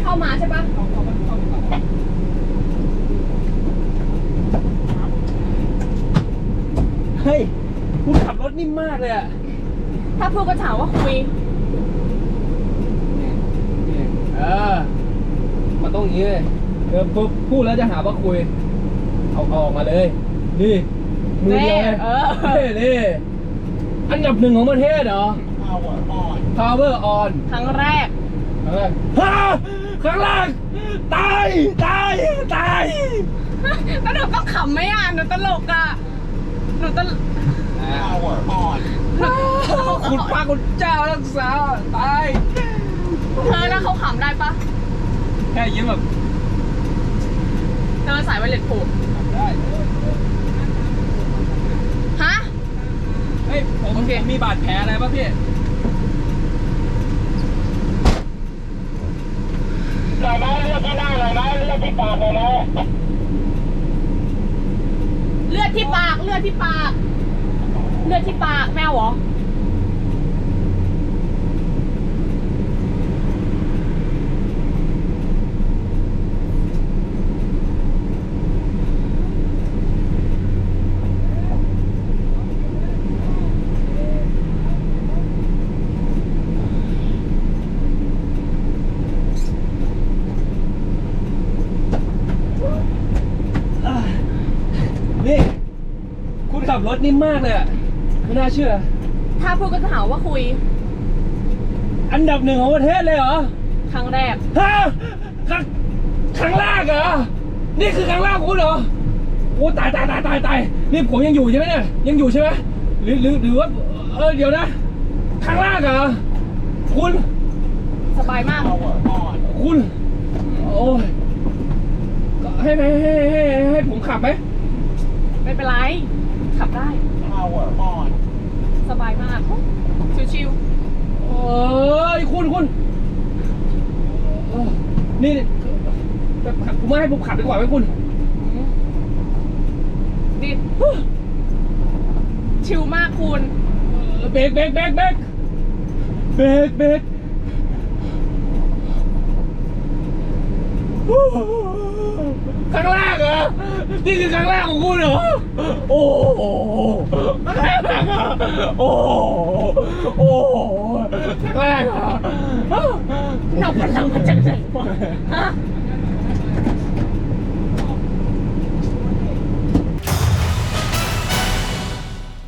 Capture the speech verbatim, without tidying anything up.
เข้ามาใช่ปะเฮ้ยคุณขับรถนิ่มมากเลยอะถ้าพูดก็ถามว่าคุยเออมันต้องอย่างนี้เลยเออปุ๊บพูดแล้วจะหาว่าคุยเอาออกมาเลยนี่มือเดียวเลยเออนี่นี่อันดับหนึ่งของประเทศเหรอ power on ครั้งแรกครั้งแรกฮะครั้งแรกตายตายตายแล้วหนูต้องขำไหมอ่ะหนูตลกอ่ะหนูตลก power on คุณพระคุณเจ้ารักษาตายเธอแล้วเขาขำได้ปะแค่ยิ้มแบบเธอสายไวเลสผูกได้ฮะเฮ้ยผมโอเคมีบาดแผลอะไรป่ะพี่หน่อยไหมเลือดที่หน้าหน่อยไหมเลือดที่ปากหน่อยไหมเลือดที่ปากเลือดที่ปากเลือดที่ปากแมวเหรอนี่คุณขับรถนิ่มมากเลยอะไม่น่าเชื่อถ้าพูดก็ถามว่าคุยอันดับหนึ่งของประเทศเลยเหรอครั้งแรกฮะครั้งครั้งแรกเหรอ นี่คือครั้งแรกของคุณเหรอ โอ้ตายตายตายตายตายนี่ผมยังอยู่ใช่ไหมเนี่ย ยังอยู่ใช่ไหมหรือหรือหรือว่า เออเดี๋ยวนะ ครั้งแรกเหรอ คุณสบายมากคุณ โอ้ยให้ให้ให้ให้ให้ผมขับไหมไม่เป็นไร ขับได้ สบายมาก ชิวเอ้ยคุณคุณเออนี่แบบผมไม่ให้ผมขับดีกว่าไหมคุณๆดิชิวมากคุณเบรกเบรกเบรกเบรกเบรกเบรกครั้งแรกเหรอ นี่คือครั้งแรกของคุณเหรอ โอ้โหครั้งแรกเหรอโอ้โหโอ้โหครั้งแรกเหรอเราพลังมาจากไหนวะฮะ